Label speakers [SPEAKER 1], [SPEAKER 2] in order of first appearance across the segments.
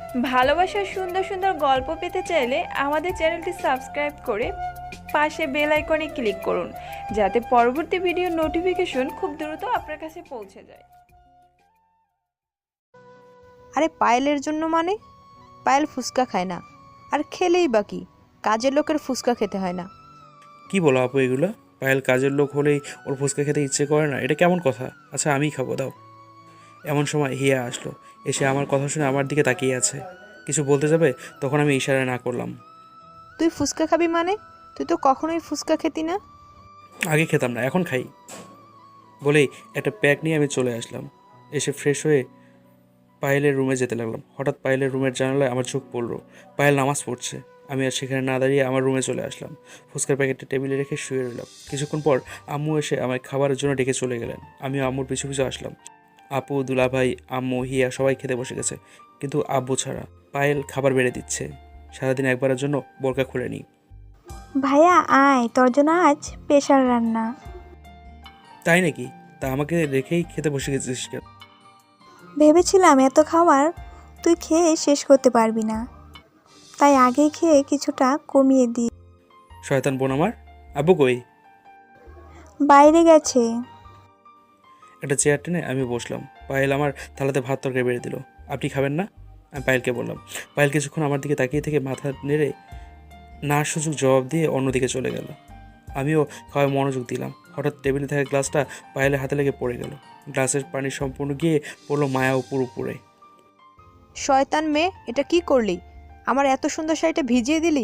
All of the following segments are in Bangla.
[SPEAKER 1] ভালোবাসার সুন্দর সুন্দর গল্প পেতে চাইলে আমাদের চ্যানেলটি সাবস্ক্রাইব করে পাশে বেল আইকনে ক্লিক করুন, যাতে পরবর্তী ভিডিওর নোটিফিকেশন খুব দ্রুত আপনার কাছে পৌঁছে যায়।
[SPEAKER 2] আরে পায়েলের জন্য মানে? পায়েল ফুচকা খায় না, আর খেলেই বাকি কাজের লোকের ফুচকা খেতে হয় না।
[SPEAKER 3] কি বলো আপু এগুলো? পায়েল কাজের লোক হলেই ওর ফুচকা খেতে ইচ্ছে করে না, এটা কেমন কথা? আচ্ছা আমিই খাবো, দাও। এমন সময় হিয়া আসলো, এসে আমার কথা শুনে আমার দিকে তাকিয়ে আছে। কিছু বলতে যাবে, তখন আমি ইশারা না করলাম।
[SPEAKER 2] তুই ফুচকা খাবি মানে? তুই তো কখনোই ফুচকা খেতি না।
[SPEAKER 3] আগে খেতাম না, এখন খাই বলেই একটা প্যাক নিয়ে আমি চলে আসলাম। এসে ফ্রেশ হয়ে পায়েলের রুমে যেতে লাগলাম। হঠাৎ পায়েলের রুমের জানালায় আমার চোখ পড়লো। পায়েল নামাজ পড়ছে। আমি আর সেখানে না দাঁড়িয়ে আমার রুমে চলে আসলাম। ফুচকার প্যাকেটটা টেবিলে রেখে শুয়ে রইলাম। কিছুক্ষণ পর আম্মু এসে আমায় খাবারের জন্য ডেকে চলে গেলেন। আমিও আম্মুর পিছু পিছু আসলাম। আপু, দুলাভাই, আম্মু, হিয়া সবাই খেতে বসে গেছে, কিন্তু আব্বু ছাড়া। পায়েল খাবার বেড়ে দিচ্ছে। সারাদিন একবারের জন্য বোরকা খুলে নিই।
[SPEAKER 4] ভাইয়া আয়, তোর জন্য আজ স্পেশাল রান্না।
[SPEAKER 3] তাই নাকি? তা আমাকে রেখেই খেতে বসে গেছিস কেন?
[SPEAKER 4] ভেবেছিলাম এত খাবার তুই খেয়ে শেষ করতে পারবি না, তাই আগে খেয়ে কিছুটা কমিয়ে দিই।
[SPEAKER 3] শয়তান বোন আমার। আব্বু কই?
[SPEAKER 4] বাইরে গেছে।
[SPEAKER 3] একটা চেয়ার টেনে আমি বসলাম। পায়েল আমার থালাতে ভাত তরকারি বেড়ে দিল। আপনি খাবেন না? আমি পায়েলকে বললাম। পায়েল কিছুক্ষণ আমার দিকে তাকিয়ে থেকে মাথা নেড়ে না সুযোগ জবাব দিয়ে অন্যদিকে চলে গেল। আমিও খাওয়ায় মনোযোগ দিলাম। হঠাৎ টেবিলে থাকা গ্লাসটা পায়েলের হাতে লেগে পড়ে গেল। গ্লাসের পানি সম্পূর্ণ গিয়ে পড়লো মায়া উপরে।
[SPEAKER 2] শয়তান মেয়ে, এটা কি করলি? আমার এত সুন্দর শাড়িটা ভিজিয়ে দিলি।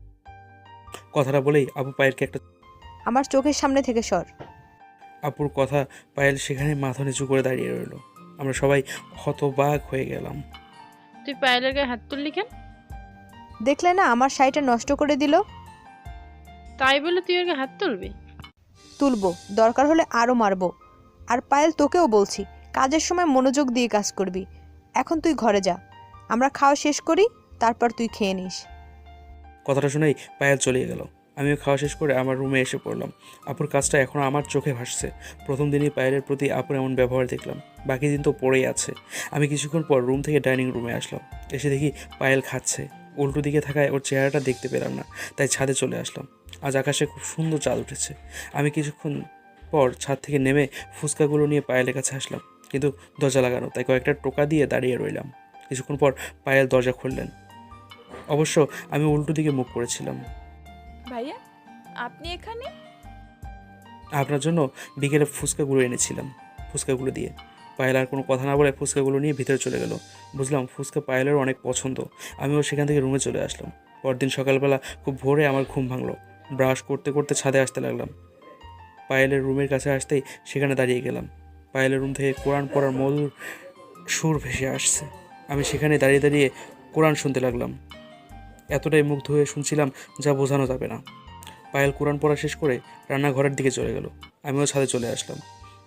[SPEAKER 3] কথাটা বলেই আপু পায়েলকে একটা
[SPEAKER 2] আমার চোখের সামনে থেকে সর।
[SPEAKER 3] আপুর কথা পায়েল সেখানে মাথা নিচু করে দাঁড়িয়ে রইল। আমরা সবাই হতবাক হয়ে গেলাম।
[SPEAKER 5] তুই পায়েলের গায়ে হাত তুললি কেন?
[SPEAKER 2] দেখলে না আমার শাড়িটা নষ্ট করে দিল।
[SPEAKER 5] তাই বলে তুই ওর গায়ে হাত তুলবি?
[SPEAKER 2] তুলবো, দরকার হলে আরও মারবো। আর পায়েল, তোকেও বলছি, কাজের সময় মনোযোগ দিয়ে কাজ করবি। এখন তুই ঘরে যা, আমরা খাওয়া শেষ করি, তারপর তুই খেয়ে নিস।
[SPEAKER 3] কথাটা শুনেই পায়েল চলে গেল। আমিও খাওয়া শেষ করে আমার রুমে এসে পড়লাম। আপুর কাজটা এখনও আমার চোখে ভাসছে। প্রথম দিনই পায়েলের প্রতি আপুর এমন ব্যবহার দেখলাম, বাকি দিন তো পড়েই আছে। আমি কিছুক্ষণ পর রুম থেকে ডাইনিং রুমে আসলাম। এসে দেখি পায়েল খাচ্ছে। উল্টো দিকে থাকায় ওর চেহারাটা দেখতে পেলাম না, তাই ছাদে চলে আসলাম। আজ আকাশে খুব সুন্দর চাঁদ উঠেছে। আমি কিছুক্ষণ পর ছাদ থেকে নেমে ফুচকাগুলো নিয়ে পায়েলের কাছে আসলাম, কিন্তু দরজা লাগানো, তাই কয়েকটা টোকা দিয়ে দাঁড়িয়ে রইলাম। কিছুক্ষণ পর পায়েল দরজা খুললেন। অবশ্য আমি উল্টো দিকে মুখ করেছিলাম।
[SPEAKER 1] ভাইয়া, আপনি এখানে?
[SPEAKER 3] আপনার জন্য বিকেলে ফুচকাগুলো এনেছিলাম। ফুচকাগুলো দিয়ে পায়েল আর কোনো কথা না বলে ফুচকাগুলো নিয়ে ভিতরে চলে গেল। বুঝলাম ফুচকা পায়েলের অনেক পছন্দ। আমিও সেখান থেকে রুমে চলে আসলাম। পরদিন সকালবেলা খুব ভোরে আমার ঘুম ভাঙলো। ব্রাশ করতে করতে ছাদে আসতে লাগলাম। পায়েলের রুমের কাছে আসতেই সেখানে দাঁড়িয়ে গেলাম। পায়েলের রুম থেকে কোরআন পড়ার মধুর সুর ভেসে আসছে। আমি সেখানে দাঁড়িয়ে দাঁড়িয়ে কোরআন শুনতে লাগলাম। এতটাই মুগ্ধ হয়ে শুনছিলাম যা বোঝানো যাবে না। পায়েল কোরআন পড়া শেষ করে রান্নাঘরের দিকে চলে গেল। আমিও ছাদে চলে আসলাম।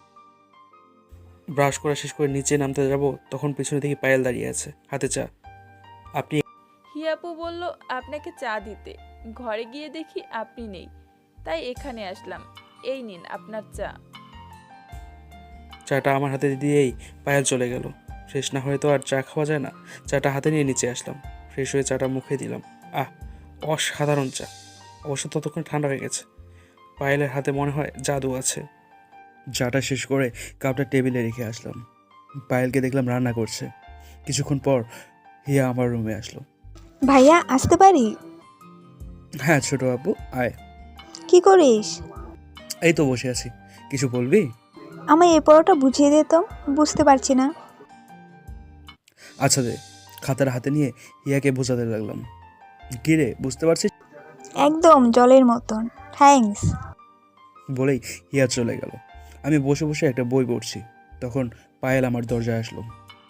[SPEAKER 3] ব্রাশ করা শেষ করে নিচে নামতে যাব, তখন পিছনে দেখি পায়েল দাঁড়িয়ে আছে, হাতে চা। আপনি?
[SPEAKER 1] হিয়াপু বলল আপনাকে চা দিতে। ঘরে গিয়ে দেখি আপনি নেই, তাই এখানে আসলাম। এই নিন আপনার চা।
[SPEAKER 3] চাটা আমার হাতে দিয়েই পায়েল চলে গেল। ফ্রেশ না হয়ে তো আর চা খাওয়া যায় না। চাটা হাতে নিয়ে নিচে আসলাম। ফ্রেশ হয়ে চাটা মুখে দিলাম। আহ, অসাধারণ চা। অবশ্য ততক্ষণ ঠান্ডা হয়ে গেছে। পায়েলের হাতে মনে হয় জাদু আছে। চাটা শেষ করে কাপটা টেবিলে রেখে আসলাম। পায়েলকে দেখলাম রান্না করছে। কিছুক্ষণ পর হিয়া আমার রুমে আসলো।
[SPEAKER 4] ভাইয়া আসতে পারি?
[SPEAKER 3] হ্যাঁ ছোট আপু, আয়।
[SPEAKER 4] কি করিস?
[SPEAKER 3] এই তো বসে আছি। কিছু বলবি?
[SPEAKER 4] আমায় এই পরোটা বুঝিয়ে দে তো, বুঝতে পারছি না।
[SPEAKER 3] আচ্ছা দে। খাতার হাতে নিয়ে হিয়াকে বোঝাতে লাগলাম। কি রে, বুঝতে পারছিস?
[SPEAKER 4] একদম জলের মতন, থ্যাঙ্কস।
[SPEAKER 3] বলেই হিয়া চলে গেল। আমি বসে বসে একটা বই পড়ছি। তখন পায়েল আমার দরজায় আসলো।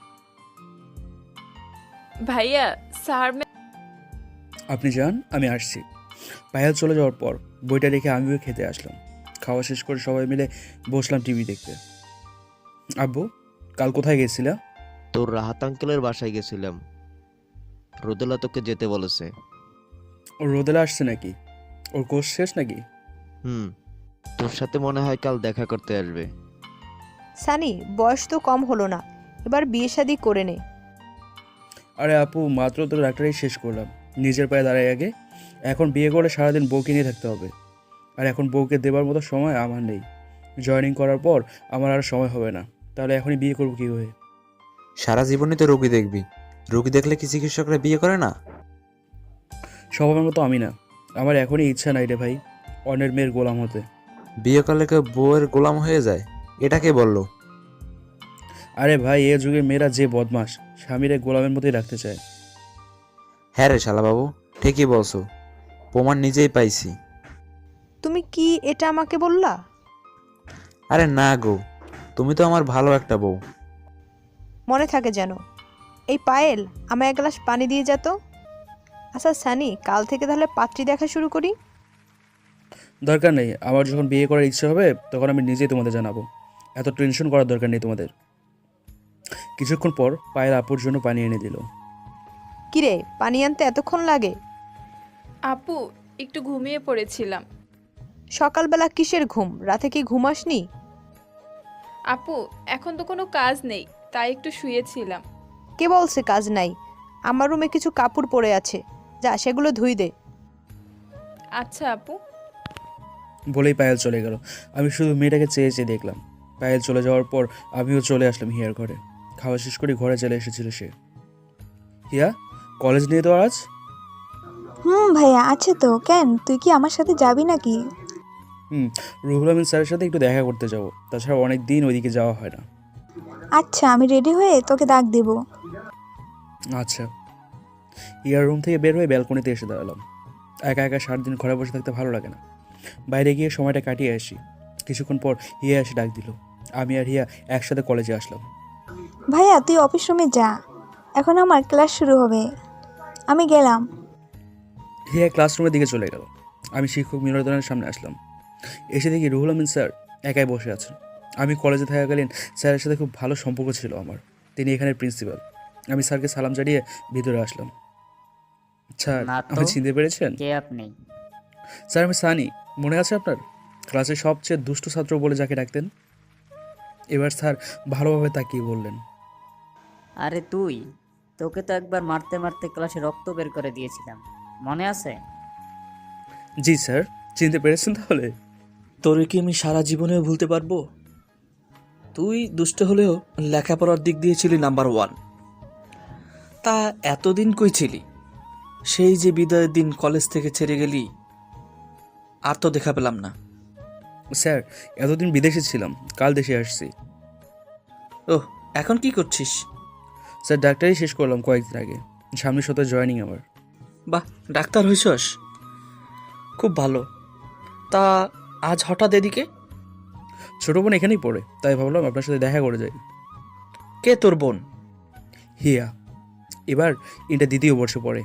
[SPEAKER 1] ভাইয়া, স্যার
[SPEAKER 3] আপনি যান, আমি আসছি। পায়েল চলে যাওয়ার পর বইটা রেখে আমিও খেতে আসলাম। খাওয়া শেষ করে সবাই মিলে বসলাম টিভি দেখতে। আব্বু, কাল কোথায় গেছিলা?
[SPEAKER 6] তোর রাহাত আঙ্কেলের বাসায় গেছিলাম। রোদেলা তোকে যেতে বলেছে।
[SPEAKER 3] ও রোদেলা আসছে নাকি? ওর কোর্স শেষ নাকি?
[SPEAKER 6] হুম, তোর সাথে মনে হয় কাল দেখা করতে আসবে।
[SPEAKER 2] সানি, বয়স তো কম হলো না, এবার বিয়ে শাদি করে নে।
[SPEAKER 3] আরে আপু, মাত্র তো ডাক্তারি শেষ করলাম, নিজের পায়ে দাঁড়াই আগে। এখন বিয়ে করে সারাদিন বউকে নিয়ে থাকতে হবে, আর এখন বউকে দেবার মতো সময় আমার নেই। জয়েনিং করার পর আমার আর সময় হবে না, তাহলে এখনই বিয়ে করবো কীভাবে?
[SPEAKER 7] সারা জীবনই তো রোগী দেখবি, রোগী দেখলে কি চিকিৎসকরা বিয়ে করে না?
[SPEAKER 3] স্বভাবের মতো আমি না, আমার এখনই ইচ্ছা নাই রে ভাই অন্যের মেয়ের গোলাম হতে।
[SPEAKER 7] বিয়ে করলে কেউ বউয়ের গোলাম হয়ে যায়? এটা কে বললো?
[SPEAKER 3] আরে ভাই, এ যুগের মেয়েরা যে বদমাস, স্বামীর এক গোলামের মতোই রাখতে চায়।
[SPEAKER 7] হ্যাঁ রে শালাবাবু, ঠিকই বলছো, প্রমাণ নিজেই পাইছি।
[SPEAKER 2] তুমি কি এটা আমাকে বললা?
[SPEAKER 7] আরে না গো, তুমি তো আমার ভালো একটা বউ।
[SPEAKER 2] মনে থাকে যেন। এই পায়েল, আমায় এক গ্লাস পানি দিয়ে যেত। আচ্ছা সানি, কাল থেকে তাহলে পাত্রী দেখা শুরু করি।
[SPEAKER 3] দরকার নেই, আমার যখন বিয়ে করার ইচ্ছে হবে তখন আমি নিজেই তোমাদের জানাবো। এত টেনশন করার দরকার নেই তোমাদের। কিছুক্ষণ পর পায়েল আপুর জন্য পানি এনে দিল।
[SPEAKER 2] কিরে, পানি আনতে এতক্ষণ লাগে?
[SPEAKER 1] আপু, একটু ঘুমিয়ে পড়েছিলাম।
[SPEAKER 2] সকালবেলা কিসের ঘুম? রাতে কি ঘুমাসনি?
[SPEAKER 1] আপু, এখন তো কোনো কাজ নেই, তাই একটু শুয়েছিলাম।
[SPEAKER 2] কে বলছে কাজ নাই? আমার রুমে কিছু কাপড় পড়ে আছে, যা সেগুলো ধুই দে।
[SPEAKER 1] আচ্ছা আপু।
[SPEAKER 3] বলেই পায়েল চলে গেল। আমি শুধু মেয়েটাকে চেয়ে চেয়ে দেখলাম। পায়েল চলে যাওয়ার পর আমিও চলে আসলাম হিয়ার ঘরে। খাওয়া শেষ করে ঘরে চলে এসেছিল সে। হিয়া, কলেজ নিয়ে তো আজ?
[SPEAKER 4] ভাইয়া আছে তো। কেন, তুই কি আমার সাথে যাবি নাকি?
[SPEAKER 3] রুহুল আমিন স্যারের সাথে একটু দেখা করতে যাবো, তাছাড়া অনেক দিন ওইদিকে যাওয়া হয় না।
[SPEAKER 4] আচ্ছা, আমি রেডি হয়ে তোকে ডাক দেব।
[SPEAKER 3] আচ্ছা। হিয়ার রুম থেকে বের হয়ে ব্যালকনিতে এসে দাঁড়ালাম। একা একা সারাদিন ঘরে বসে থাকতে ভালো লাগে না, বাইরে গিয়ে সময়টা কাটিয়ে আসি। কিছুক্ষণ পর হিয়া এসে ডাক দিল। আমি আর হিয়া একসাথে কলেজে আসলাম।
[SPEAKER 4] ভাইয়া তুই অফিস রুমে যা, এখন আমার ক্লাস শুরু হবে। আমি গেলাম।
[SPEAKER 3] হিয়া ক্লাসরুমের দিকে চলে গেল। আমি শিক্ষক মিলনায়তনের সামনে আসলাম। এসে দেখি রুহুল আমিন স্যার একাই বসে আছেন। আমি কলেজে থাকাকালীন স্যারের সাথে খুব ভালো সম্পর্ক ছিল আমার। তিনি এখানের প্রিন্সিপাল। আমি স্যারকে সালাম জানিয়ে ভিতরে আসলাম। স্যার,
[SPEAKER 8] না তো।
[SPEAKER 3] আপনি চিনতে পেরেছেন?
[SPEAKER 8] কে আপনি?
[SPEAKER 3] স্যার, আমি সানি। মনে আছে আপনার? ক্লাসের সবচেয়ে দুষ্টু ছাত্র বলে যাকে ডাকতেন। এবার স্যার ভালোভাবে তাকিয়ে বললেন,
[SPEAKER 8] আরে তুই, তোকে তো একবার মারতে মারতে ক্লাসে রক্ত বের করে দিয়েছিলাম, মনে আছে?
[SPEAKER 3] জি স্যার। চিনতে পেরেছেন তাহলে?
[SPEAKER 9] তোরে কি আমি সারা জীবনেও ভুলতে পারবো? তুই দুষ্ট হলেও লেখাপড়ার দিক দিয়ে ছিলি নাম্বার 1। তা এতদিন কই ছিলি? সেই যে বিদায়ের দিন কলেজ থেকে ছেড়ে গেলি, আর তো দেখা পেলাম না।
[SPEAKER 3] স্যার, এতদিন বিদেশে ছিলাম, কাল দেশে আসছি।
[SPEAKER 9] ওহ, এখন কি করছিস?
[SPEAKER 3] স্যার, ডাক্তারি শেষ করলাম কয়েকদিন আগে। সামনের সপ্তাহে জয়েনিং আমার।
[SPEAKER 9] বাহ, ডাক্তার হইছস, খুব ভালো। তা আজ হঠাৎ এদিকে?
[SPEAKER 3] ছোটো বোন এখানেই পড়ে, তাই ভাবলাম আপনার সাথে দেখা করে যাই।
[SPEAKER 9] কে তোর বোন?
[SPEAKER 3] হিয়া, এবার এটা দ্বিতীয় বর্ষে পড়ে।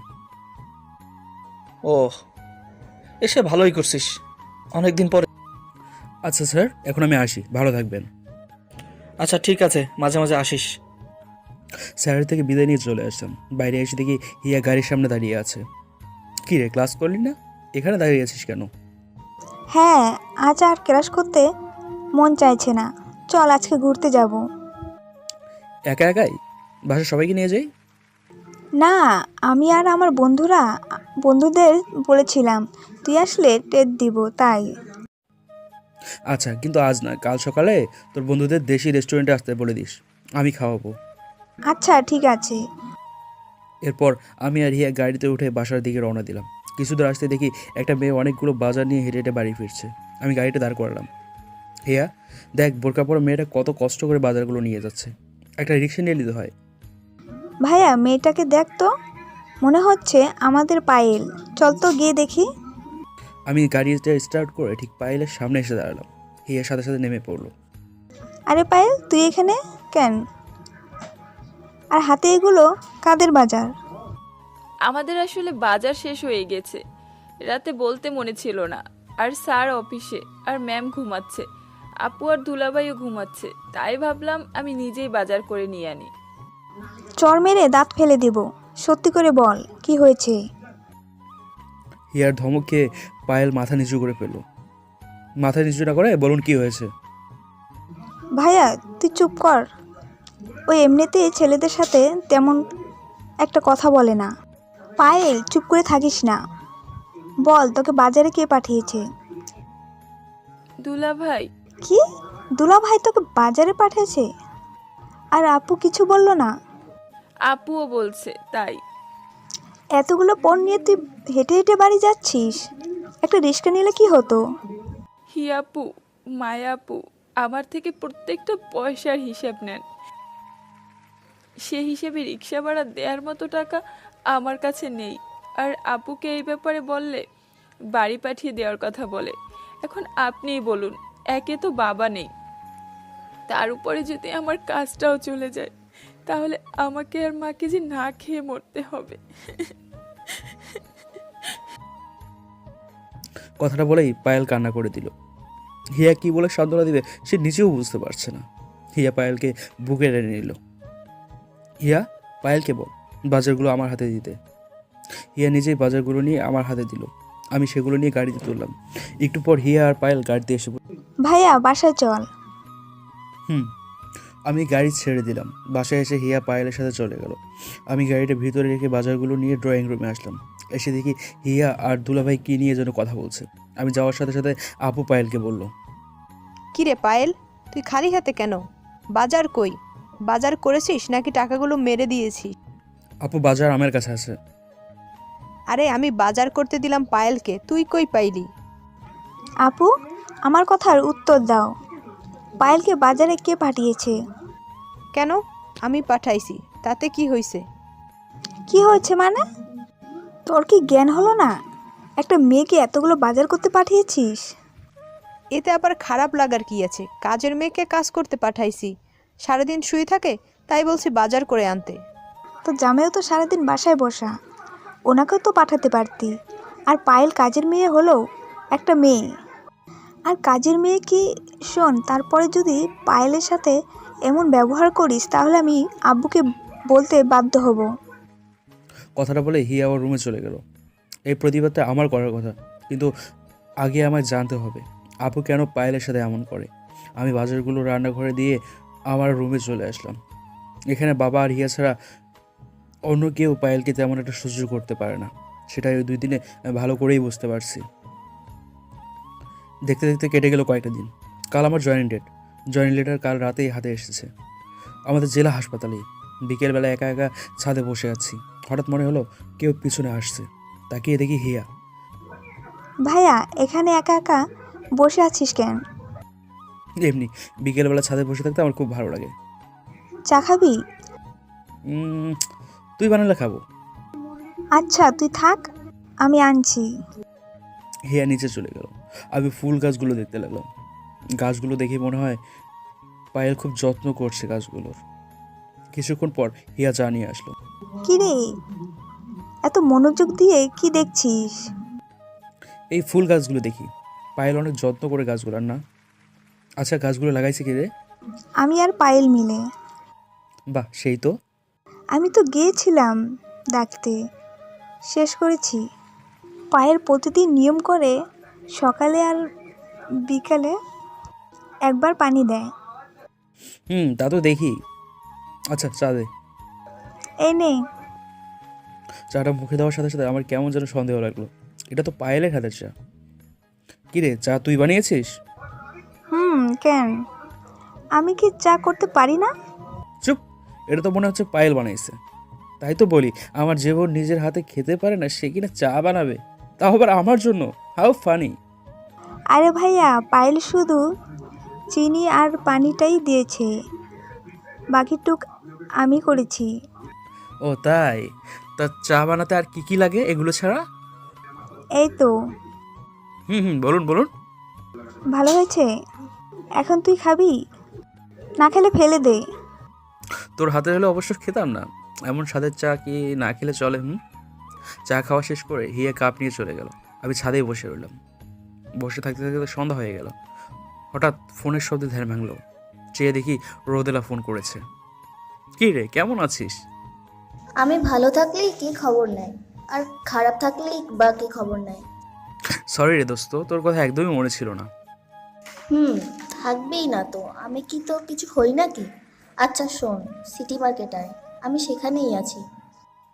[SPEAKER 9] ও, এসে ভালোই করছিস, অনেকদিন পরে।
[SPEAKER 3] আচ্ছা স্যার, এখন আমি আসি, ভালো থাকবেন।
[SPEAKER 9] আচ্ছা ঠিক আছে, মাঝে মাঝে আসিস।
[SPEAKER 3] স্যারের থেকে বিদায় নিয়ে চলে আসলাম। বাইরে এসে দেখি হিয়া গাড়ির সামনে দাঁড়িয়ে আছে। কী রে, ক্লাস করলি না? এখানে দাঁড়িয়ে আছিস কেন?
[SPEAKER 4] হ্যাঁ, আজ আর ক্লাস করতে মন চাইছে না। চল আজকে ঘুরতে যাব।
[SPEAKER 3] একা একাই? বাসায় সবাইকে নিয়ে যাই।
[SPEAKER 4] না, আমি আর আমার বন্ধুদের বলেছিলাম তুই আসলে ট্রিট দিব, তাই।
[SPEAKER 3] আচ্ছা, কিন্তু আজ না, কাল সকালে তোর বন্ধুদের দেশি রেস্টুরেন্টে আসতে বলে দিস, আমি খাওয়াবো।
[SPEAKER 4] আচ্ছা ঠিক আছে।
[SPEAKER 3] এরপর আমি আর হিয়া গাড়িতে উঠে বাসার দিকে রওনা দিলাম। কিছু দূর আসতে দেখি একটা মেয়ে অনেকগুলো বাজার নিয়ে হেঁটে হেঁটে বাড়ি ফিরছে। আমি গাড়িটা দাঁড় করালাম। হিয়া, দেখ বোরকা পরা মেয়েটা কত কষ্ট করে বাজারগুলো নিয়ে যাচ্ছে, একটা রিক্সা নিয়ে নিতে হয়।
[SPEAKER 4] ভাইয়া মেয়েটাকে দেখ তো, মনে হচ্ছে আমাদের পায়েল। চল তো গিয়ে দেখি।
[SPEAKER 3] আমি গাড়িটা স্টার্ট করে ঠিক পায়েলের সামনে এসে দাঁড়ালাম। হিয়ার সাথে সাথে নেমে পড়লো।
[SPEAKER 4] আরে পায়েল, তুই এখানে কেন? আর হাতে এগুলো কাদের বাজার?
[SPEAKER 1] আমাদের আসলে বাজার শেষ হয়ে গেছে, রাতে বলতে মনে ছিল না। আর স্যার অফিসে, আর ম্যাম ঘুমাচ্ছে, আপু আর দুলাভাইও ঘুমাচ্ছে, তাই ভাবলাম আমি নিজেই বাজার করে নিয়ে আনি।
[SPEAKER 4] চর মেরে দাঁত ফেলে দেব। সত্যি করে বল, কি হয়েছে?
[SPEAKER 3] হিয়ার ধমক খেয়ে পায়েল মাথা নিচু করে ফেললো। মাথা নিচু না করে বলুন কি হয়েছে।
[SPEAKER 4] ভাইয়া তুই চুপ কর। ওই এমনিতেই ছেলেদের সাথে তেমন একটা কথা বলে না। পায়েল, চুপ করে থাকিস না। বল, তোকে বাজারে কে পাঠিয়েছে?
[SPEAKER 1] দুলা ভাই।
[SPEAKER 4] কি? দুলা ভাই তোকে বাজারে পাঠিয়েছে? আর আপু কিছু বললো না?
[SPEAKER 1] আপুও বলছে তাই।
[SPEAKER 4] এতগুলো পণ নিয়ে তুই হেঁটে হেঁটে বাড়ি যাচ্ছিস? একটা রিক্সা নিলে কি হতো?
[SPEAKER 1] হিয়াপু, মায়াপু আমার থেকে প্রত্যেকটা পয়সার হিসাব নেন। সে হিসেবে রিক্সা ভাড়া দেওয়ার মতো টাকা আমার কাছে নেই। আর আপুকে এই ব্যাপারে বললে বাড়ি পাঠিয়ে দেওয়ার কথা বলে। এখন আপনিই বলুন, একে তো বাবা নেই, তার উপরে যদি আমার কাজটাও চলে যায় তাহলে আমাকে আর মাকে যে না খেয়ে মরতে হবে।
[SPEAKER 3] কথাটা বলেই পায়েল কান্না করে দিল। হিয়া কি বলে সান্ত্বনা দিবে সে নিজেও বুঝতে পারছে না। হিয়া পায়েলকে বুকে টেনে নিল। হিয়া, পায়েলকে বল বাজারগুলো আমার হাতে দিতে। হিয়া নিজেই বাজারগুলো নিয়ে আমার হাতে দিল। আমি সেগুলো নিয়ে গাড়িতে তুললাম। একটু পর হিয়া আর পায়েল গাড়িতে এসে
[SPEAKER 4] ভাইয়া, বাসায় চল।
[SPEAKER 3] আমি গাড়ি ছেড়ে দিলাম। বাসায় এসে হিয়া পায়েলের সাথে চলে গেল। আমি গাড়িটা ভিতরে রেখে বাজারগুলো নিয়ে ড্রয়িং রুমে আসলাম। এসে দেখি হিয়া আর দুলাভাই কী নিয়ে যেন কথা বলছে। আমি যাওয়ার সাথে সাথে আপু পায়েলকে বলল,
[SPEAKER 2] কিরে পায়েল, তুই খালি হাতে কেন? বাজার কই? বাজার করেছিস নাকি টাকাগুলো মেরে দিয়েছিস?
[SPEAKER 3] আপু বাজার আমার কাছে আছে।
[SPEAKER 2] আরে আমি বাজার করতে দিলাম পায়েলকে, তুই কই পাইলি?
[SPEAKER 4] আপু, আমার কথার উত্তর দাও। পায়েলকে বাজারে কে পাঠিয়েছে?
[SPEAKER 2] কেন? আমি পাঠাইছি, তাতে কি হয়েছে?
[SPEAKER 4] কি হয়েছে মানে? তোর কি জ্ঞান হলো না? একটা মেয়েকে এতগুলো বাজার করতে পাঠিয়েছিস?
[SPEAKER 2] এতে আবার খারাপ লাগার কি আছে? কাজের মেয়েকে কাজ করতে পাঠাইছি, সারাদিন শুয়ে থাকে, তাই বলছি বাজার করে আনতে।
[SPEAKER 4] তো জামাইও তো সারাদিন বাসায় বসা, ওনাকেও তো পাঠাতে পারতি। আর পায়েল কাজের মেয়ে হলো একটা মেয়ে। আর কাজের মেয়ে কি? শোন, তারপরে যদি পায়েলের সাথে এমন ব্যবহার করিস তাহলে আমি আব্বুকে বলতে বাধ্য হব।
[SPEAKER 3] কথাটা বলে হিয়া ওর রুমে চলে গেল। এই প্রতিবাদটা আমার করার কথা, কিন্তু আগে আমায় জানতে হবে আপু কেন পায়েলের সাথে এমন করে। আমি বাজারগুলো রান্নাঘরে দিয়ে আমার রুমে চলে আসলাম। এখানে বাবা আর হিয়া ছাড়া অন্য কেউ পায়েলকে তেমন একটা সহ্য করতে পারে না। সেটাই ওই 2 দিনে আমি ভালো করেই বুঝতে পারছি। দেখতে দেখতে কেটে গেল কয়েকটা দিন। কাল আমার জয়েনিং ডেট। জয়েনিং লেটার কাল রাতেই হাতে এসেছে, আমাদের জেলা হাসপাতালেই। বিকেলবেলা একা একা ছাদে বসে আছি, হঠাৎ মনে হলো কেউ পিছনে আসছে। তাকিয়ে দেখি হিয়া।
[SPEAKER 4] ভাইয়া, এখানে একা একা বসে আছিস কেন?
[SPEAKER 3] এমনি বিকেলবেলা ছাদে বসে থাকতে আমার খুব ভালো লাগে।
[SPEAKER 4] চা খাবি?
[SPEAKER 3] তুই বানালে খাবো।
[SPEAKER 4] আচ্ছা, তুই থাক, আমি আনছি।
[SPEAKER 3] হিয়া নিচে চলে গেল। আমি ফুল গাছগুলো দেখতে লাগলাম। গাছগুলো দেখে মনে হয় পায়েল খুব যত্ন করছে গাছগুলোর। কিছুক্ষণ পর হিয়া চা নিয়ে আসলো।
[SPEAKER 4] কি রে, এত মনোযোগ দিয়ে কি দেখছিস?
[SPEAKER 3] এই ফুল গাছগুলো দেখি। পায়েল অনেক যত্ন করে গাছগুলোর না। আচ্ছা, গাছগুলো লাগাইছে কি রে?
[SPEAKER 4] আমি আর পায়েল মিলে।
[SPEAKER 3] বাহ, সেই তো।
[SPEAKER 4] আমি তো গিয়েছিলাম ডাকতে, শেষ করেছি। পায়েল প্রতিদিন নিয়ম করে সকালে আর বিকালে একবার পানি দেয়।
[SPEAKER 3] তা তো দেখি। আচ্ছা, চা দে।
[SPEAKER 4] এই নে।
[SPEAKER 3] চাটা মুখে দেওয়ার সাথে সাথে আমার কেমন যেন সন্দেহ লাগলো। এটা তো পায়েলের হাতের চা। কিরে, চা তুই বানিয়েছিস?
[SPEAKER 4] কেন? আমি কি চা করতে পারি না?
[SPEAKER 3] চুপ, এটা তো মনে হচ্ছে পায়েল বানাইছে। তাই তো বলি, আমার যে বোন নিজের হাতে খেতে পারে না সে কিনা চা বানাবে, তাও আবার আমার জন্য। How funny.
[SPEAKER 4] আরে ভাইয়া, পায়েল শুধু চিনি আর পানিটাই দিয়েছে, বাকিটুক আমি করেছি।
[SPEAKER 3] ও তাই? তা চা বানাতে আর কি কি লাগে এগুলো ছাড়া?
[SPEAKER 4] এই তো।
[SPEAKER 3] বলুন বলুন।
[SPEAKER 4] ভালো হয়েছে। এখন তুই খাবি? না খেলে ফেলে দে।
[SPEAKER 3] তোর হাতে হলে অবশ্য খেতাম না, এমন স্বাদের চা কি না খেলে চলে? চা খাওয়া শেষ করে হিয়া কাপ নিয়ে চলে গেল। আমি ছাদেই বসে রইলাম। বসে থাকতে থাকতে সন্ধ্যা হয়ে গেল। হঠাৎ ফোনের শব্দে ধ্যান ভাঙলো। চেয়ে দেখি রোদেলা ফোন করেছে। কি রে, কেমন আছিস?
[SPEAKER 10] আমি ভালো থাকলেই কি খবর নেয়, আর খারাপ থাকলেই বা কি খবর নেয়।
[SPEAKER 3] সরি রে দোস্ত, তোর কথা একদমই মনে ছিল না।
[SPEAKER 10] থাকবেই না তো, আমি কি তো কিছু হই নাকি? আচ্ছা শোন, সিটি মার্কেট আয়, আমি সেখানেই আছি।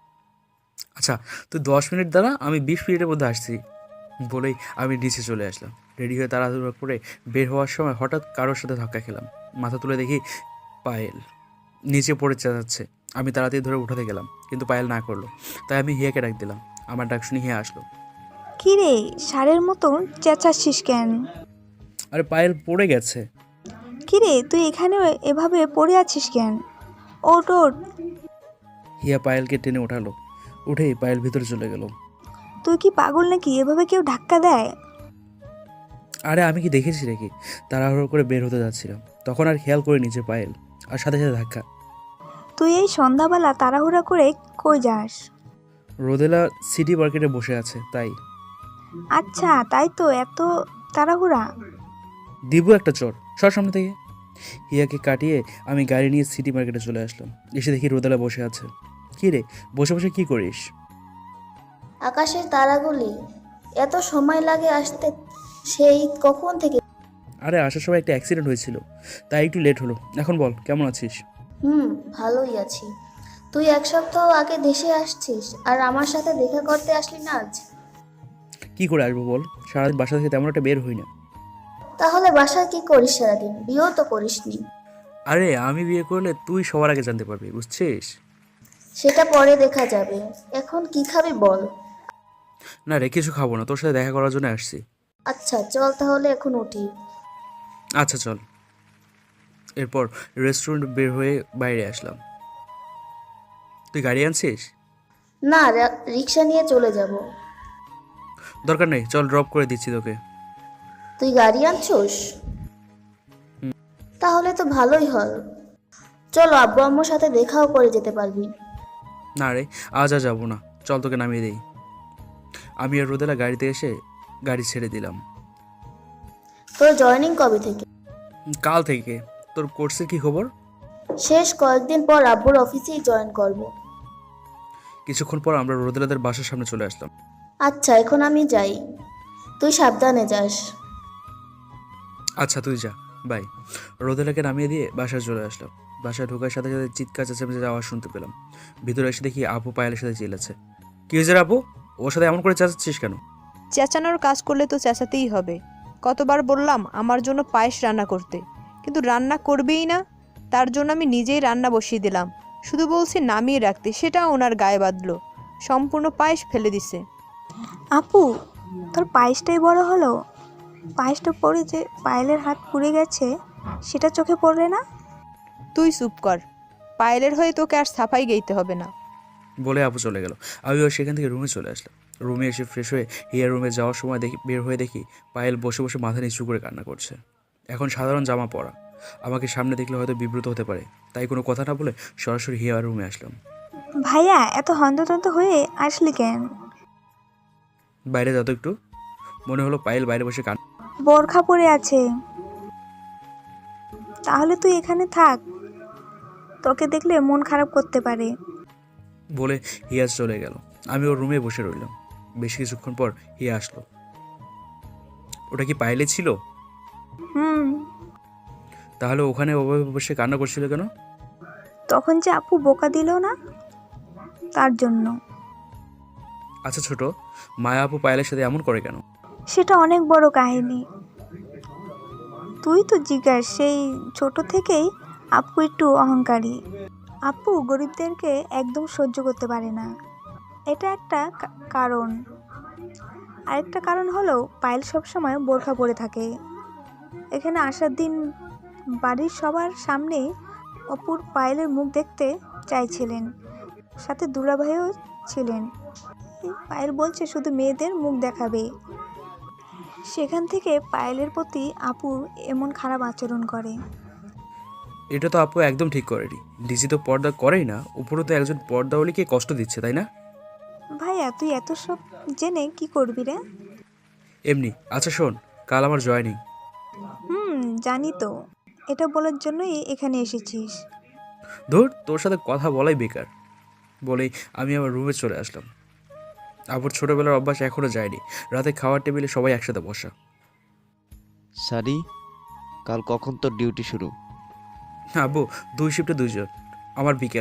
[SPEAKER 3] আচ্ছা, তুই 10 মিনিট দাঁড়া, আমি 20 মিনিটের মধ্যে আসছি বলেই আমি নিচে চলে আসলাম। রেডি হয়ে তাড়াহুড়ো করে বের হওয়ার সময় হঠাৎ কারোর সাথে ধাক্কা খেলাম। মাথা তুলে দেখি পায়েল নিচে পড়ে চেঁচাচ্ছে। আমি তাড়াতাড়ি ধরে উঠাতে গেলাম, কিন্তু পায়েল না করলো। তাই আমি হিয়াকে ডাক দিলাম। আমার ডাক শুনে হিয়া আসলো।
[SPEAKER 4] কি রে, ষাঁড়ের মতন চেঁচাচ্ছিস কেন?
[SPEAKER 3] আরে পায়েল পড়ে গেছে।
[SPEAKER 4] কি রে, তুই এখানে এভাবে পড়ে আছিস কেন? ওঠ ওঠ।
[SPEAKER 3] হিয়া পায়েলকে টেনে উঠালো। উঠেই পায়েল ভিতরে চলে গেল।
[SPEAKER 4] তুই কি পাগল নাকি? এভাবে কেউ ধাক্কা দেয়?
[SPEAKER 3] আরে আমি কি দেখেছি নাকি? তাড়াহুড়ো করে বের হতে যাচ্ছিলাম, তখন আর খেয়াল করে নিচে পায়েল, আর সাথে সাথে ধাক্কা।
[SPEAKER 4] তুই এই সন্ধ্যাবেলা তাড়াহুড়া করে কই যাস?
[SPEAKER 3] রোদেলা সিটি মার্কেটে বসে আছে, তাই।
[SPEAKER 4] আচ্ছা, তাই তো এত তাড়াহুড়া।
[SPEAKER 3] দিব একটা চর সর সামনে থেকে। হিয়াকে কাটিয়ে আমি গাড়ি নিয়ে সিটি মার্কেটে চলে আসলাম। এসে দেখি রোদেলা বসে আছে। কি রে, বসে বসে কি করিস?
[SPEAKER 10] আকাশের তারাগুলি এত সময় লাগে আসতে, সেই কখন থেকে।
[SPEAKER 3] আরে আসার সময় একটা অ্যাক্সিডেন্ট হয়েছিল, তাই একটু লেট হলো। এখন বল, কেমন আছিস?
[SPEAKER 10] ভালোই আছি। তুই 1 সপ্তাহ আগে দেশে আসছিস আর আমার সাথে দেখা করতে আসলি না আজ?
[SPEAKER 3] কি করে আসবো বল, সারাদিন বাসা থেকে তেমন একটা বের হই না।
[SPEAKER 10] তাহলে বাসায় কি করিস সারাদিন? বিয়েও তো করিসনি।
[SPEAKER 3] আরে আমি বিয়ে করলে তুই সবার আগে জানতে পারবি, বুঝছিস?
[SPEAKER 10] সেটা পরে দেখা যাবে, এখন কি খাবি বল।
[SPEAKER 3] না রে, কিছু খাবো না, তোর সাথে দেখা করার জন্য আসছি।
[SPEAKER 10] আচ্ছা চল তাহলে এখন উঠি।
[SPEAKER 3] আচ্ছা চল। এরপর রেস্টুরেন্ট বের হয়ে বাইরে আসলাম। তুই গাড়ি আনছিস?
[SPEAKER 10] না, রিক্সা নিয়ে চলে যাব।
[SPEAKER 3] দরকার নেই, চল ড্রপ করে দিচ্ছি তোকে।
[SPEAKER 10] তুই গাড়ি আনছোস? তাহলে তো ভালোই হল। চলো, আব্বু আম্মুর সাথে দেখাও করে যেতে পারবি।
[SPEAKER 3] না রে, আজ আর যাবো না, চল তোকে নামিয়ে দেই। আমি আর রোদেলা গাড়িতে এসে গাড়ি ছেড়ে দিলাম।
[SPEAKER 10] তোর জয়েনিং কবে থেকে?
[SPEAKER 3] কাল থেকে। তোর কোর্সের কি খবর?
[SPEAKER 10] শেষ কয়েকদিন পর আব্বুর অফিসেই জয়েন করব।
[SPEAKER 3] কিছুক্ষণ পর আমরা রোদেলাদের বাসার সামনে চলে আসলাম।
[SPEAKER 10] আচ্ছা, এখন আমি যাই, তুই সাবধানে যাস।
[SPEAKER 3] আচ্ছা তুই যা, বাই। রোদেলাকে নামিয়ে দিয়ে বাসায় চলে আসলাম। বাসায় ঢোকার সাথে সাথে চিৎকার চেঁচামেচি আওয়াজ শুনতে পেলাম। ভিতরে এসে দেখি আপু পায়েলের সাথে চিল্লাচ্ছে। কি হয়েছে রে আপু, ওর সাথে এমন করে চেঁচাচ্ছিস কেন?
[SPEAKER 2] চেঁচানোর কাজ করলে তো চেঁচাতেই হবে। কতবার বললাম আমার জন্য পায়েস রান্না করতে, কিন্তু রান্না করবেই না। তার জন্য আমি নিজেই রান্না বসিয়ে দিলাম, শুধু বলছি নামিয়ে রাখতে, সেটা ওনার গায়ে বাঁধলো। সম্পূর্ণ পায়েস ফেলে দিছে।
[SPEAKER 4] আপু, তোর পায়েসটাই বড় হলো। পায়েসটা পড়ে যে পায়েলের হাত পুড়ে গেছে, সেটা চোখে পড়লে না?
[SPEAKER 2] তুই চুপ কর, পায়েলের হয়ে তোকে আর সাফাই গাইতে হবে না।
[SPEAKER 3] বলে আপু চলে গেল। আমিও সেখান থেকে রুমে চলে আসলাম। রুমে এসে ফ্রেশ হয়ে হিয়ার রুমে যাওয়ার সময় বের হয়ে দেখি পায়েল বসে বসে মাথা নিচু করে কান্না করছে। এখন সাধারণ জামা পরা, আমাকে সামনে দেখলে হয়তো বিব্রত হতে পারে, তাই কোনো কথা না বলে সরাসরি হিয়ার রুমে আসলাম।
[SPEAKER 4] ভাইয়া, এত হন্তদন্ত হয়ে আসলি কেন?
[SPEAKER 3] বাইরে যত একটু। মনে হলো পায়েল বাইরে বসে
[SPEAKER 4] বোরখা পরে আছে। তাহলে তুই এখানে থাক, তোকে দেখলে মন খারাপ করতে পারে।
[SPEAKER 3] বলে হিয়াজ চলে গেল। আমি ওর রুমে বসে রইলাম। বেশ কিছুক্ষণ পর হিয়া আসলো। ওটা কি পায়েলে ছিল?
[SPEAKER 4] হুম।
[SPEAKER 3] তাহলে ওখানে ওভাবে বসে কান্না করছিল কেন?
[SPEAKER 4] তখন যে আপু বোকা দিল না, তার জন্য।
[SPEAKER 3] আচ্ছা ছোট, মায়া আপু পায়েলের সাথে এমন করে কেন?
[SPEAKER 4] সেটা অনেক বড় কাহিনী। তুই তো জিজ্ঞাস, সেই ছোট থেকেই আপু একটু অহংকারী। আপু গরিবদেরকে একদম সহ্য করতে পারে না, এটা একটা কারণ। আরেকটা কারণ হলো পায়েল সবসময় বোরখা পরে থাকে। এখানে আসার দিন বাড়ির সবার সামনে অপুর পায়েলের মুখ দেখতে চাইছিলেন, সাথে দুলাভাইও ছিলেন। পায়েল বলছে শুধু মেয়েদের মুখ দেখাবে। সেখান থেকে পায়েলের প্রতি আপু এমন খারাপ আচরণ করে।
[SPEAKER 3] এটা তো আপু একদম ঠিক করেনি। ডিজি তো পর্দা করেই না, উপরে তো একজন পর্দাওয়ালিকে কষ্ট দিচ্ছে, তাই না?
[SPEAKER 4] ভাইয়া, তুই এত সব জেনে কি করবি রে?
[SPEAKER 3] এমনি। আচ্ছা শোন, কাল আমার জয়েনিং।
[SPEAKER 4] জানি তো, এটা বলার জন্যই এখানে এসেছিস।
[SPEAKER 3] ধুর, তোর সাথে কথা বলাই বেকার। বলেই আমি আমার রুমে চলে আসলাম। আবুর ছোটবেলার অভ্যাস এখনো যায়নি, রাতে খাওয়ার টেবিলে সবাই একসাথে বসা।
[SPEAKER 6] সারি, কাল কখন তোর ডিউটি শুরু?
[SPEAKER 3] আব্বু 2 শিফটে 2 জন। আমার বিকেলে।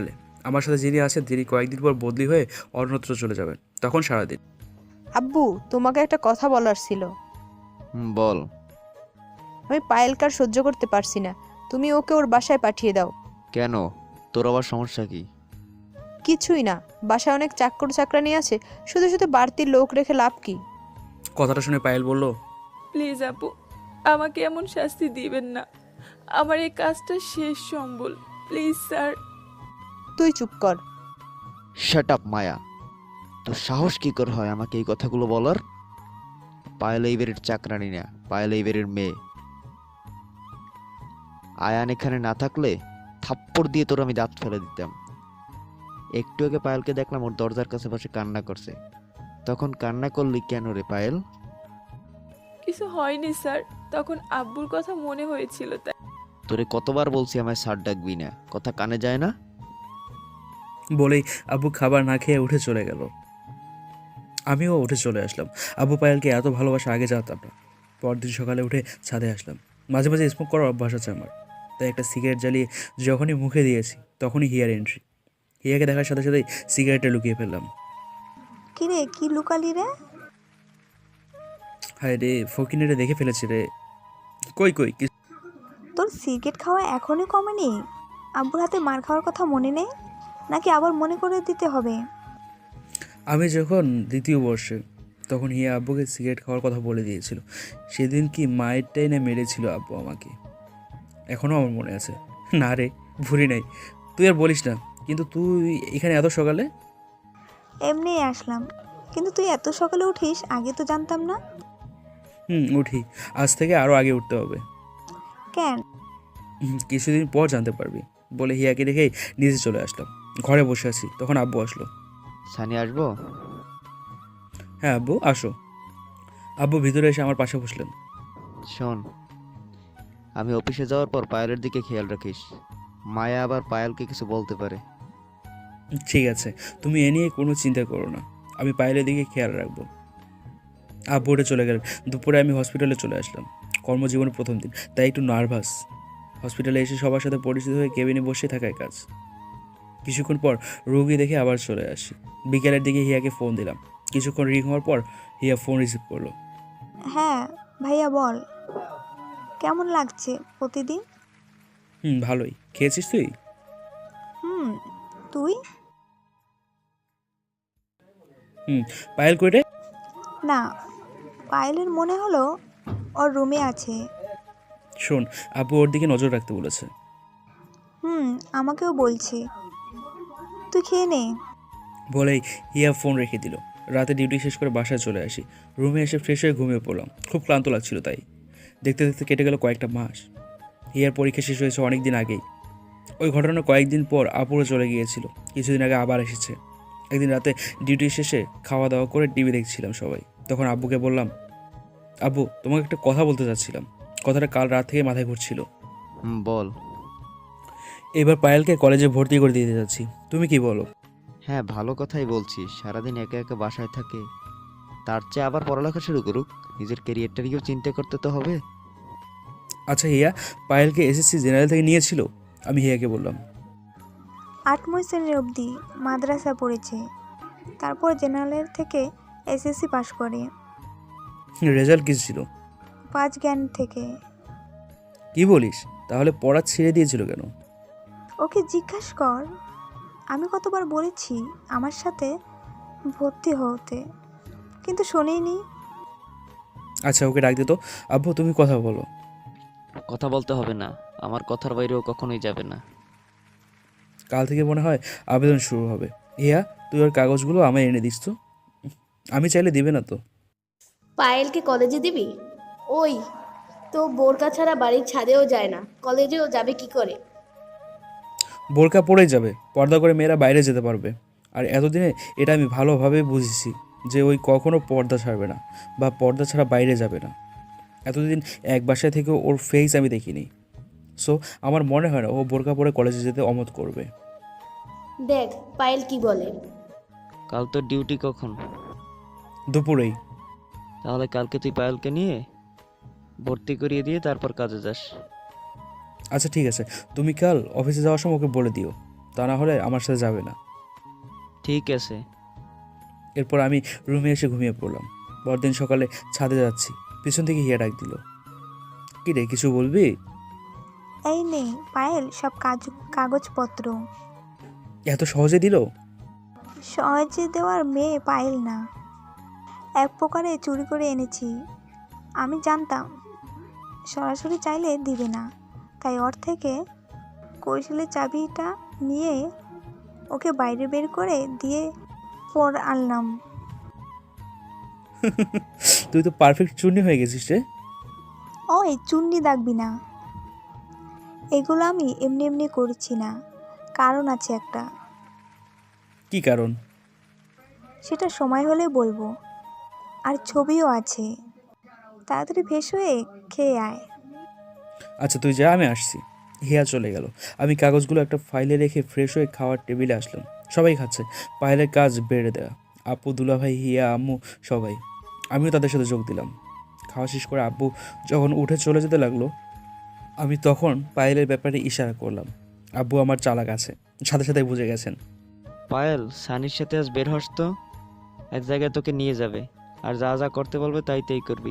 [SPEAKER 3] আমার সাথে যিনি আছেন তিনি কয়েকদিন পর বদলি হয়ে অন্যত্র চলে যাবেন, তখন সারাদিন।
[SPEAKER 2] আব্বু, তোমাকে একটা কথা বলার ছিল।
[SPEAKER 6] বল।
[SPEAKER 2] আমি পায়েলকার সহ্য করতে পারছি না, তুমি ওকে ওর বাসায় পাঠিয়ে দাও।
[SPEAKER 6] কেন, তোর আবার সমস্যা কি?
[SPEAKER 2] কিছুই না, বাসায় অনেক চাকর চাকরানি আছে, শুধু শুধু বাড়তি লোক রেখে লাভ কি?
[SPEAKER 3] কথাটা শুনে পায়েল বলল,
[SPEAKER 1] প্লিজ আপু, আমাকে এমন শাস্তি দিবেন না। আমার এই কাজটা শেষ সম্বল, প্লিজ স্যার।
[SPEAKER 2] তুই চুপ কর।
[SPEAKER 6] শাট আপ মায়া, তোর সাহস কি করে হয় আমাকে এই কথাগুলো বলার? পায়েল এই বাড়ির চাকরানি না, পায়েল এই বাড়ির মেয়ে। আয়ান এখানে না থাকলে থাপ্পড় দিয়ে তোর আমি দাঁত ফেলে দিতাম। একটু আগে পায়েলকে দেখলাম ওর দরজার কাছে বসে কান্না করছে। তখন কান্না করলি কেন রে পায়েল?
[SPEAKER 1] কিছু হয়নি স্যার, তখন আব্বুর কথা মনে হয়েছিল তাই।
[SPEAKER 6] তোরে কতবার বলছি আমায় স্যার ডাকবি না, কথা কানে যায় না?
[SPEAKER 3] বলেই আব্বু খাবার না খেয়ে উঠে চলে গেল। আমিও উঠে চলে আসলাম। আব্বু পায়েলকে এত ভালোবাসা আগে জানতাম না। পরদিন সকালে উঠে ছাদে আসলাম। মাঝে মাঝে স্মোক করার অভ্যাস আছে আমার, তাই একটা সিগারেট জ্বালিয়ে যখনই মুখে দিয়েছি তখনই হিয়ার এন্ট্রি। হিয়াকে দেখার সাথে সাথেই সিগারেটটা লুকিয়ে ফেললাম।
[SPEAKER 4] কি রে, কি লুকালি রে?
[SPEAKER 3] হায় রে, ফকিনেরে দেখে ফেলেছি রে। কই কই কি?
[SPEAKER 4] তোর সিগারেট খাওয়া এখনই কমেনি? আব্বুর হাতে মার খাওয়ার কথা মনে নেই নাকি আবার মনে করে দিতে হবে?
[SPEAKER 3] আমি যখন দ্বিতীয় বর্ষে, তখন হিয়া আব্বুকে সিগারেট খাওয়ার কথা বলে দিয়েছিল। সেদিন কি মায়েরটাই না মেরেছিল আব্বু আমাকে, এখনও আমার মনে আছে। না রে, ভুলি নাই। তুই আর বলিস না। কিন্তু তুই এখানে এত সকালে?
[SPEAKER 4] এমনিই আসলাম, কিন্তু তুই এত সকালে উঠিস আগে তো জানতাম না।
[SPEAKER 3] উঠি। আজ থেকে আরও আগে উঠতে হবে।
[SPEAKER 4] কেন?
[SPEAKER 3] কিছুদিন পর জানতে পারবি। বলে হিয়াকে রেখেই নিচে চলে আসলাম। ঘরে বসে আছি, তখন আব্বু আসলো।
[SPEAKER 6] সানি আসবো?
[SPEAKER 3] হ্যাঁ আব্বু, আসো। আব্বু ভিতরে এসে আমার পাশে বসলেন।
[SPEAKER 6] শোন, আমি অফিসে যাওয়ার পর পায়েলের দিকে খেয়াল রাখিস। মায়া আবার পায়েলকে কিছু বলতে পারে।
[SPEAKER 3] ঠিক আছে, তুমি এ নিয়ে কোনো চিন্তা করো না, আমি পায়েলের দিকে খেয়াল রাখবো। আব্বু উঠে চলে গেলেন। দুপুরে আমি হসপিটালে চলে আসলাম। কর্মজীবনের প্রথম দিন, তাই একটু নার্ভাস। হসপিটালে এসে সবার সাথে পরিচিত হয়ে কেবিনে বসে থাকায় কাজ। কিছুক্ষণ পর রোগী দেখে আবার চলে আসি। বিকেলের দিকে হিয়াকে ফোন দিলাম। কিছুক্ষণ রিং হওয়ার পর হিয়া ফোন রিসিভ করলো।
[SPEAKER 4] হ্যাঁ ভাইয়া বল, কেমন লাগছে প্রতিদিন?
[SPEAKER 3] ভালোই। খেয়েছিস তুই?
[SPEAKER 4] তুই?
[SPEAKER 3] পায়েল কইরে?
[SPEAKER 4] না, পায়েলের মনে হলো ওর রুমে আছে।
[SPEAKER 3] শোন, আব্বু ওর দিকে নজর রাখতে বলেছে।
[SPEAKER 4] আমাকেও বলছে। তুই খেয়ে নে।
[SPEAKER 3] বলেই হিয়া ফোন রেখে দিল। রাতে ডিউটি শেষ করে বাসায় চলে আসি। রুমে এসে ফ্রেশ হয়ে ঘুমিয়ে পড়লাম। খুব ক্লান্ত লাগছিল তাই। দেখতে দেখতে কেটে গেল কয়েকটা মাস। হিয়ার পরীক্ষা শেষ হয়েছে অনেক দিন আগেই। ওই ঘটনার কয়েকদিন পর আপুরে চলে গিয়েছিল। কিছুদিন আগে আবার এসেছে। একদিন রাতে ডিউটি শেষে খাওয়া দাওয়া করে টিভি দেখছিলাম সবাই। তখন আব্বুকে বললাম, আব্বু তোমাকে একটা কথা বলতে চাচ্ছিলাম। কথাটা কাল রাত থেকে মাথায় ঘুরছিল।
[SPEAKER 6] বল।
[SPEAKER 3] এবার পায়েলকে কলেজে ভর্তি করে দিতে যাচ্ছি, তুমি কি বলো?
[SPEAKER 6] হ্যাঁ, ভালো কথাই বলছিস। সারাদিন একা একা বাসায় থাকে, তার চেয়ে আবার পড়ালেখা শুরু করুক। নিজের ক্যারিয়ারটাকেও চিন্তা করতে তো হবে।
[SPEAKER 3] আচ্ছা হিয়া, পায়েলকে এসএসসি জেনারেল থেকে নিয়েছিল? আমি হিয়াকে বললাম।
[SPEAKER 4] 8ম শ্রেণীর অবধি মাদ্রাসা পড়েছে, তারপর জেনারেল থেকে এসএসসি পাশ করে।
[SPEAKER 3] রেজাল্ট কি ছিল?
[SPEAKER 4] 5 জ্ঞান থেকে।
[SPEAKER 3] কি বলিস? তাহলে পড়া ছেড়ে দিয়েছিল কেন?
[SPEAKER 4] ওকে জিজ্ঞাসা কর, আমি কতবার বলেছি আমার সাথে ভর্তি হতে, কিন্তু শোনেনি।
[SPEAKER 3] আচ্ছা ওকে ডাক দে তো। আব্বু তুমি কথা বলো।
[SPEAKER 6] কথা বলতে হবে না, আমার কথার বাইরেও কখনোই যাবে না।
[SPEAKER 3] কাল থেকে মনে হয় আবেদন শুরু হবে। হিয়া, তুই ওর কাগজগুলো আমায় এনে দিস তো। আমি চাইলে দিবে না তো?
[SPEAKER 10] পায়েলকে কলেজে দিবি? ওই তো বোরকা ছাড়া বাড়ির ছাদেও যায় না, কলেজেও যাবে কি করে?
[SPEAKER 3] বোরকা পরেই যাবে, পর্দা করে মেয়েরা বাইরে যেতে পারবে। আর এতদিনে এটা আমি ভালোভাবে বুঝেছি যে ওই কখনো পর্দা ছাড়বে না বা পর্দা ছাড়া বাইরে যাবে না। এতদিন এক বাসায় থেকে ওর ফেস আমি দেখিনি। সো আমার মনে হয় না ও বোরকা পরে কলেজে যেতে অমত করবে।
[SPEAKER 10] দেখ পায়েল কি বলে।
[SPEAKER 6] কাল তোর ডিউটি কখন?
[SPEAKER 3] দুপুরেই।
[SPEAKER 6] তাহলে কালকে তুই পায়েলকে নিয়ে ভর্তি করিয়ে দিয়ে তারপর কাজে যাস।
[SPEAKER 3] আচ্ছা ঠিক আছে, তুমি কাল অফিসে যাওয়ার সময় ওকে বলে দিও, তা না হলে আমার সাথে যাবে না।
[SPEAKER 6] ঠিক আছে।
[SPEAKER 3] এরপর আমি রুমে এসে ঘুমিয়ে পড়লাম। পরদিন সকালে ছাদে যাচ্ছি, পিছন থেকে হিয়া ডাক দিল, কি রে কিছু বলবি?
[SPEAKER 4] এই নে পায়েল সব কাগজপত্র।
[SPEAKER 3] এত সহজে দিল?
[SPEAKER 4] সহজে দেওয়ার মেয়ে পায়েল না, এক প্রকারে চুরি করে এনেছি। আমি জানতাম সরাসরি চাইলে দিবে না, তাই ওর থেকে কৌশলের চাবিটা নিয়ে ওকে বাইরে বের করে দিয়ে পর আনলাম।
[SPEAKER 3] তুই তো পারফেক্ট চুন্নি হয়ে গেছিস রে।
[SPEAKER 4] ওই চুন্নি দাগবি না, এগুলো আমি এমনি এমনি করছি না, কারণ আছে একটা।
[SPEAKER 3] কি কারণ?
[SPEAKER 4] সেটা সময় হলে বলবো। আর ছবিও আছে, তাড়াতাড়ি ফ্রেশ হয়ে খেয়ে আয়।
[SPEAKER 3] আচ্ছা তুই যা, আমি আসছি। হিয়া চলে গেল। আমি কাগজগুলো একটা ফাইলে রেখে ফ্রেশ হয়ে খাওয়ার টেবিলে আসলাম। সবাই খাচ্ছে। পায়েলের কাজ বেড়ে দেওয়া, আপু, দুলাভাই, হিয়া, আম্মু সবাই। আমিও তাদের সাথে যোগ দিলাম। খাওয়া শেষ করে আব্বু যখন উঠে চলে যেতে লাগলো, আমি তখন পায়েলের ব্যাপারে ইশারা করলাম। আব্বু আমার চালাক আছে, সাথে সাথে বুঝে গেছেন।
[SPEAKER 6] পায়েল, সানির সাথে আজ বের হস তো, এক জায়গায় তোকে নিয়ে যাবে, আর যা যা করতে বলবে তাই তাই করবি।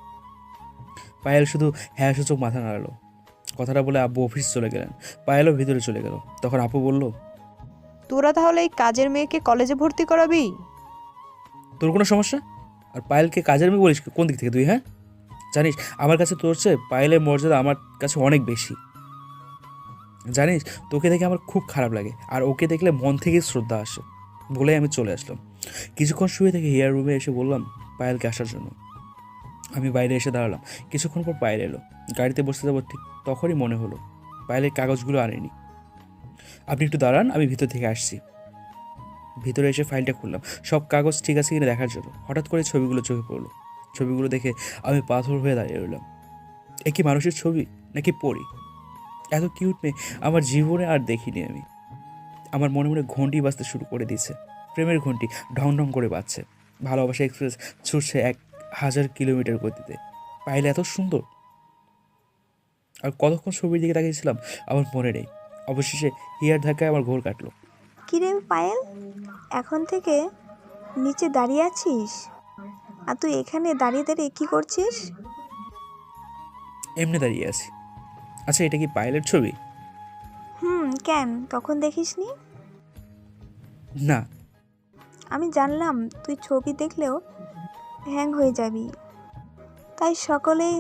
[SPEAKER 3] পায়েল শুধু হ্যাঁ সূচক মাথা নাড়ালো। কথাটা বলে আব্বু অফিস চলে গেলেন। পায়েলও ভিতরে চলে গেল। তখন আপু বলল,
[SPEAKER 2] তোরা তাহলে এই কাজের মেয়েকে কলেজে ভর্তি করাবি?
[SPEAKER 3] তোর কোনো সমস্যা? আর পায়েলকে কাজের মেয়ে বলিস কোন দিক থেকে তুই? হ্যাঁ, জানিস আমার কাছে তোর চেয়ে পায়েলের মর্যাদা আমার কাছে অনেক বেশি। জানিস, তোকে দেখে আমার খুব খারাপ লাগে, আর ওকে দেখলে মন থেকে শ্রদ্ধা আসে। বলেই আমি চলে আসলাম। কিছুক্ষণ শুয়ে থেকে হিয়ার রুমে এসে বললাম পায়েলকে আসার জন্য। আমি বাইরে এসে দাঁড়ালাম। কিছুক্ষণ পর পায়েল এলো। গাড়িতে বসতে যাবো ঠিক তখনই মনে হলো পায়েলের কাগজগুলো আনেনি। আপনি একটু দাঁড়ান, আমি ভিতর থেকে আসছি। ভিতরে এসে ফাইলটা খুললাম, সব কাগজ ঠিক আছে কিনা দেখার জন্য। হঠাৎ করে ছবিগুলো চোখে পড়লো। ছবিগুলো দেখে আমি পাথর হয়ে দাঁড়িয়ে রইলাম। এ কি মানুষের ছবি নাকি পরি? এত কিউট মেয়ে আমার জীবনে আর দেখিনি আমি। আমার মনে মনে ঘন্টি বাজতে শুরু করে দিয়েছে। প্রেমের ঘন্টি ঢং ঢং করে বাজছে। ভালোবাসা এক্সপ্রেস ছুটছে 1000 কিলোমিটার গতিতে। পাইলে এত সুন্দর। আর কতক্ষণ ছবির দিকে তাকিয়েছিলাম আমার মনে নেই। অবশেষে হিয়ার ধাক্কায় আমার ঘোর কাটলো।
[SPEAKER 4] কিরে পায়েল, এখন থেকে নিচে দাঁড়িয়ে আছিস? আর তুই এখানে দাঁড়িয়ে দাঁড়িয়ে কি করছিস?
[SPEAKER 3] এমনি দাঁড়িয়ে আছি। আচ্ছা, এটা কি পায়েলের ছবি?
[SPEAKER 4] কেন তখন দেখিসনি?
[SPEAKER 3] না।
[SPEAKER 4] আমি জানলাম তুই ছবি দেখলেও হ্যাং হয়ে যাবি, তাই সকালেই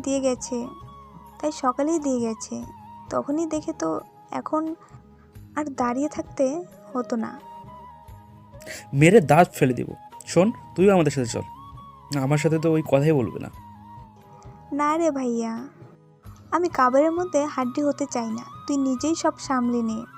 [SPEAKER 4] দিয়ে গেছে। তখনই দেখে তো এখন আর দাঁড়িয়ে থাকতে হতো না।
[SPEAKER 3] মেরে দাঁত ফেলে দিব। শোন, তুইও আমাদের সাথে চল। না, আমার সাথে তো ওই কথাই বলবে না।
[SPEAKER 4] না রে ভাইয়া, আমি কাবারের মধ্যে হাড্ডি হতে চাই না, তুই নিজেই সব সামলে নে।